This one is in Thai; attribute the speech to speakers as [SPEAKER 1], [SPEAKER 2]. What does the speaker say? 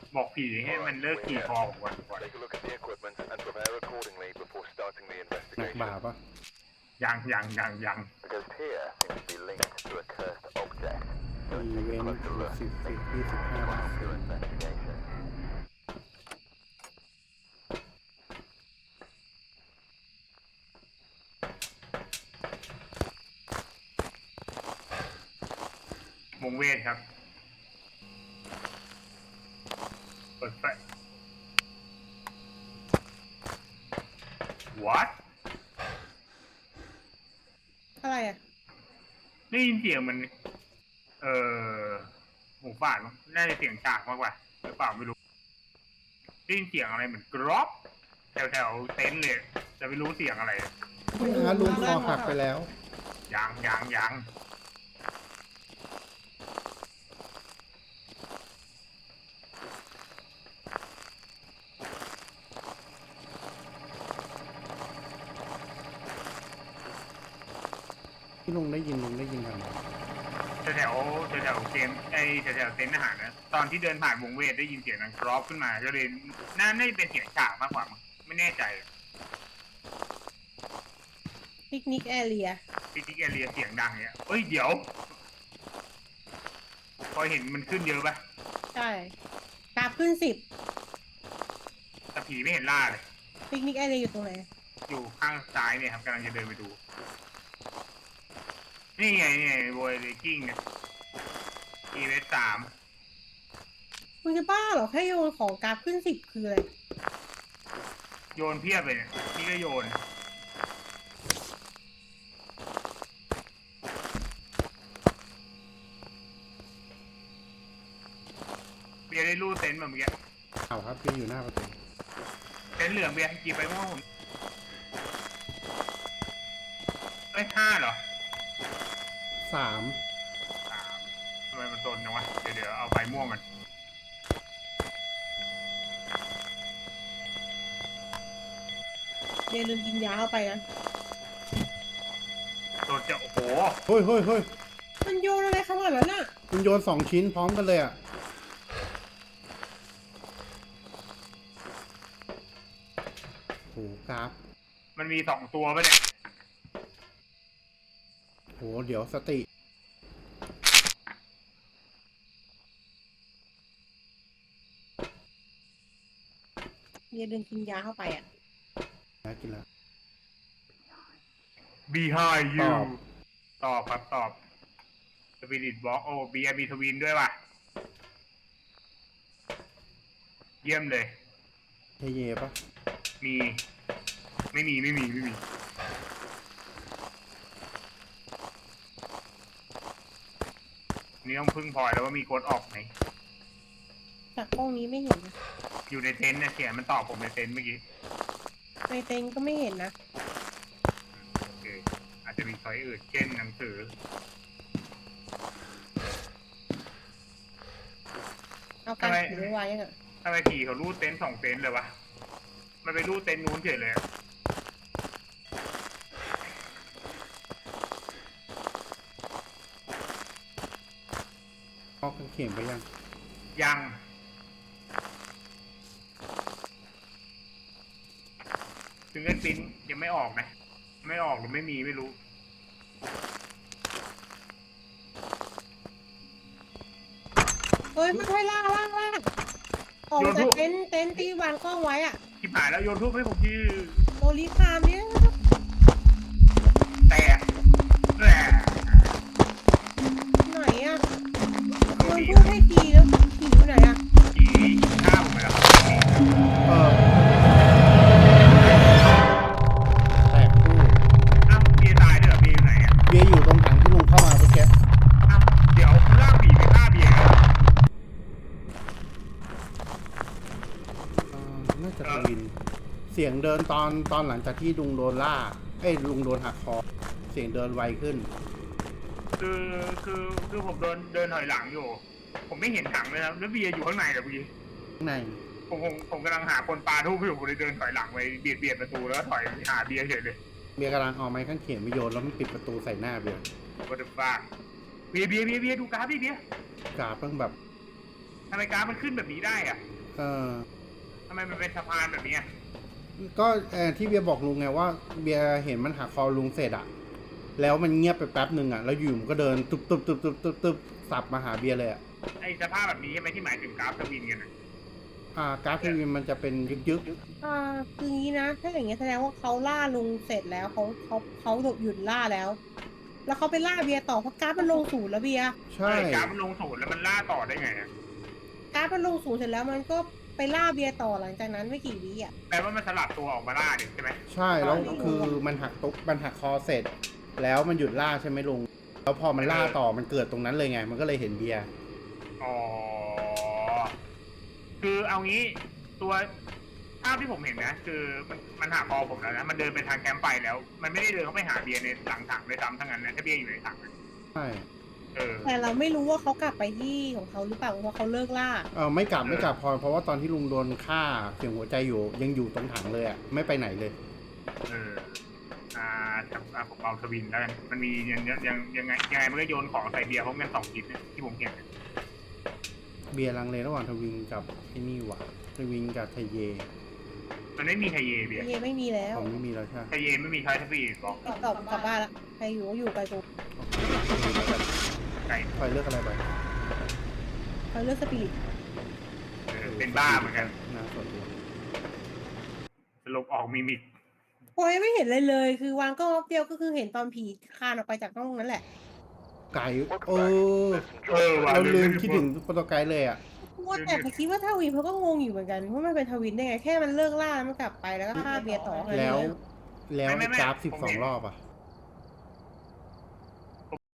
[SPEAKER 1] บอกผีให้มันเลิกขี่คอผมก่อน
[SPEAKER 2] Take a look at the equipment and prepare accordingly before starting the
[SPEAKER 3] หนัก
[SPEAKER 2] investigation.
[SPEAKER 3] บ่าปะ
[SPEAKER 1] ยัง
[SPEAKER 2] The ghost here seems to be linked to a cursed object.
[SPEAKER 3] อีเวนต์
[SPEAKER 2] Closer look.
[SPEAKER 3] 10-25
[SPEAKER 2] Your investigation.
[SPEAKER 1] วงเวทครับเปิดไฟ What
[SPEAKER 4] อะไรอ่ะ
[SPEAKER 1] ได้ยินเสียงมันหูฝาดมั้งน่าจะเสียงจากมากกว่าหรือเปล่าไม่รู้ได้ยินเสียงอะไรเหมือนกรอบแถวเต็นท์เลยจะไม่รู้เสียงอะไร
[SPEAKER 3] ลุงคอหักไปแล้ว
[SPEAKER 1] ยัง
[SPEAKER 3] ที่ลุงได้ยินทางไหน
[SPEAKER 1] แถวเกมแถวเต็นท์อาหารนะตอนที่เดินผ่านวงเวทได้ยินเสียงดังกรอบขึ้นมาก็เลยน่าจะเป็นเสียงฉากมากกว่ามั้งไม่แน่ใจ
[SPEAKER 4] ปิกนิกแอเรีย
[SPEAKER 1] ปิกนิกแอเรียเสียงดังเนี่ยเฮ้ยเดี๋ยวพอเห็นมันขึ้นเยอะปะ
[SPEAKER 4] ใช่กราฟขึ้น10
[SPEAKER 1] แต่ผีไม่เห็นล่าเลย
[SPEAKER 4] ปิกนิกแอเรียอยู่ตรงไหน
[SPEAKER 1] อยู่ข้างซ้ายเนี่ยครับกำลังจะเดินไปดูนี่ไงโวยเลกิ้งเนี่ยEVS 3
[SPEAKER 4] มึงจะบ้าเหรอแค่โยนของกราฟขึ้น10คืออะไร
[SPEAKER 1] โยนเพียบเลยเนี่ยนี่ก็โยนเบียร์ได้รูดเต็นท์แบบเมื่อกี้
[SPEAKER 3] เอาครับพี่อยู่หน้าประตู
[SPEAKER 1] เต็นท์เหลืองเบียร์กี่ไปมั่วผม5เหรอ
[SPEAKER 3] 3
[SPEAKER 1] ทำไมมันโดนจังวะเดี๋ยวเอาไฟม่วงมัน
[SPEAKER 4] เดลืมกินยาเข้าไปนะ
[SPEAKER 1] โดนจะโอ้โห
[SPEAKER 3] เฮ้ย
[SPEAKER 4] มันโยนอะไรขนาดนั้นน่ะ
[SPEAKER 3] มันโยน2 ชิ้นพร้อมกันเลยอ่ะโหกราฟ
[SPEAKER 1] มันมี2ตัวป่ะเนี่ย
[SPEAKER 3] โหเดี๋ยวสติ
[SPEAKER 4] เดลืมกินยาเข้าไปอ่ะ
[SPEAKER 3] นะกินแล้ว
[SPEAKER 1] behind
[SPEAKER 3] ต
[SPEAKER 1] you
[SPEAKER 3] อบ
[SPEAKER 1] ตอบครับตอบ Spirit Box โอ้เบียร์มีทวินด้วยว่ะเยี่ยมเลย
[SPEAKER 3] เย่ปะ
[SPEAKER 1] มีไม่มีนี่ต้องพึ่งพลอยแล้วว่ามีโค้ดออกไหม
[SPEAKER 4] จากกล้องนี้ไม่เห็นนะ
[SPEAKER 1] อยู่ในเต็นท์นะเสียงมันตอบผมในเต็นท์เมื่อกี้
[SPEAKER 4] ในเต็นท์ก็ไม่เห็นนะ
[SPEAKER 1] โอเคอาจจะมีช้อยอื่นเช่นหนังสือ
[SPEAKER 4] เอาการถือไว้ยังอ่ะ
[SPEAKER 1] ทำไมผีเขารูดเต็นท์2เต็นท์เลยวะมันไปรูดเต็นท์นู้นเฉยเลยอะ
[SPEAKER 3] ออกกางเขนไปยัง
[SPEAKER 1] ยังถึงเงินปิ้นยังไม่ออกนะไม่ออกหรือไม่มีไม่รู้
[SPEAKER 4] เฮ้ยมันให้ล่างออกจากเต็นท์ที่วางกล้องไว้อ่ะ
[SPEAKER 1] ที่ผ่านแล้วโยนทุบให้ผมที่
[SPEAKER 4] โรลิคามเนี่ย
[SPEAKER 1] แตกแหละ
[SPEAKER 4] ไหนอ่ะโยนพูดให้ทีแล้วผีอยู่ไหนอ่ะ
[SPEAKER 1] ผีฆ่าผมไปแล้วครับ
[SPEAKER 3] แตกคู่
[SPEAKER 1] อ้าวเบียร์ตายด้วยเหรอเบียร์อยู่ไหนอ่ะ
[SPEAKER 3] เบียร์อยู่ตรงถังที่ลุงเข้ามาเมื่อกี้
[SPEAKER 1] อ้าวเดี๋ยวล่ากผีไปฆ่าเบียร์กัน
[SPEAKER 3] น่าจะทวิน เสียงเดินตอนหลังจากที่ลุงโดนล่าลุงโดนหักคอ เสียงเดินไวขึ้น
[SPEAKER 1] คือผมเดินถอยหลังอยู่ ผมไม่เห็นถังเลยครับแล้วเบียร์อยู่ข้างในเหรอเมื่อกี้
[SPEAKER 3] ข้างใน
[SPEAKER 1] ผมกำลังหาคนปลาทูบอยู่ผมเลยเดินถอยหลังไปเบียดประตูแล้วถอยหาเบียร์เฉยเลย
[SPEAKER 3] เบียร์กำลังเอาไม้ข้างเขียนไปโยนแล้วมันปิดประตูใส่หน้าเบียร์
[SPEAKER 1] What the fuck เบียร์ดูกราฟดิเบียร์
[SPEAKER 3] กราฟเพิ่งแบบ
[SPEAKER 1] ทำไมกราฟมันขึ้นแบบนี้ได้อะ
[SPEAKER 3] เออ
[SPEAKER 1] ทำไมมันเป็นสะพานแบบนี้อะ
[SPEAKER 3] ก็ที่เบียร์บอกลุงไงว่าเบียร์เห็นมันหักคอลุงเสร็จอะแล้วมันเงียบไปแป๊บหนึ่งอะแล้วอยู่มันก็เดินตึบสับมาหาเบียร์เลยอะ
[SPEAKER 1] ไอสภาพแบบนี้ใช่ไหมที่หมายถึงกราฟสวินกันอะ
[SPEAKER 3] กราฟทีวีมันจะเป็นยึก
[SPEAKER 4] คืองี้นะ ถ้าอย่างเงี้ยแสดงว่าเขาล่าลุงเสร็จแล้วเขาหยุดล่าแล้ว แล้วเขาไปล่าเบียร์ต่อเพราะกราฟมันลงศูนย์แล้วเบียร์
[SPEAKER 3] ๆใช่
[SPEAKER 1] กราฟมันลงศูนย์แล้วมันล่าต่อได้ไงอะ
[SPEAKER 4] กราฟมันลงศูนย์เสร็จแล้วมันก็ไปล่าเบียร์ต่อหลังจากนั้นไม่กี่วิอ่ะ
[SPEAKER 1] แปลว่ามันสลับตัวออกมาล่าดิใช่ไหม
[SPEAKER 3] ใช่แล้วคือมันหักคอเสร็จ แล้วมันหยุดล่าใช่ไหมลุงแล้วพอมันล่าต่อมันเกิดตรงนั้นเลยไง มันก็เลยเห็นเบียร์
[SPEAKER 1] อ๋อคือเอางี้ตัวภาพที่ผมเห็นนะคือมันหาคอผมแล้วนะมันเดินไปทางแคมป์ไฟแล้ว มันไม่ได้เดินเข้าไปหาเบียร์ในหลังถังเลยซ้ำทั้งนั้นนะถ้าเบียร์อยู่ในถังอะ
[SPEAKER 3] ใช่
[SPEAKER 4] แต่เราไม่รู้ว่าเขากลับไปที่ของเขาหรือเปล่าเพราะเขาเลิกล่า
[SPEAKER 3] ไม่กลับเพราะว่าตอนที่ลุงโดนฆ่าเสียงหัวใจอยู่ยังอยู่ตรงถังเลยอะไม่ไปไหนเลย
[SPEAKER 1] เออผมเอาสวินแล้วกันมันมียังไงมันก็โยนของใส่เบียร์พร้อมกัน2 ชิ้นเนี่ยที่ผมเห็น
[SPEAKER 3] เบียร์ลังเลระหว่างทวิงกับไอ้นี่หว่าทวิงกับไทเย
[SPEAKER 1] มันไม่มีไทเยเบียร์
[SPEAKER 4] เยไม่มีแล้ว
[SPEAKER 3] ผมไม่มีแล้วใช่
[SPEAKER 1] ไทเยไม่มีใช้ทัฟฟี่บอก
[SPEAKER 4] กลับบ้านละใครอยู่ก็อยู่ไปกู
[SPEAKER 1] ไก่
[SPEAKER 3] คอยเลือกอะไรไป
[SPEAKER 4] เขาเลือกสปิริต
[SPEAKER 1] เป็นบ้าเหมือนกัน
[SPEAKER 3] น่าสนใจ
[SPEAKER 1] สลบออกมิมิก
[SPEAKER 4] โอ้ยไม่เห็นเลยเลย คือวางก็เดียวก็คือเห็นตอนผีคลานออกไปจากห้องนั้นแหละ
[SPEAKER 3] ไก่
[SPEAKER 1] ว่ะ
[SPEAKER 3] เราลืมคิดถึงโปรโตไกด์เลยอ่ะ
[SPEAKER 4] ว่าแต่พอคิดว่าทวินเขาก็งงอยู่เหมือนกันว่ามันเป็นทวินได้ไงแค่มันเลิกล่าแล้วมันกลับไปแล้วก็ฆ่าเบียร์ต่อแค่นั้น
[SPEAKER 3] แล้ว
[SPEAKER 4] เอง
[SPEAKER 3] แล้วไอ้กราฟ12 รอบอ่ะ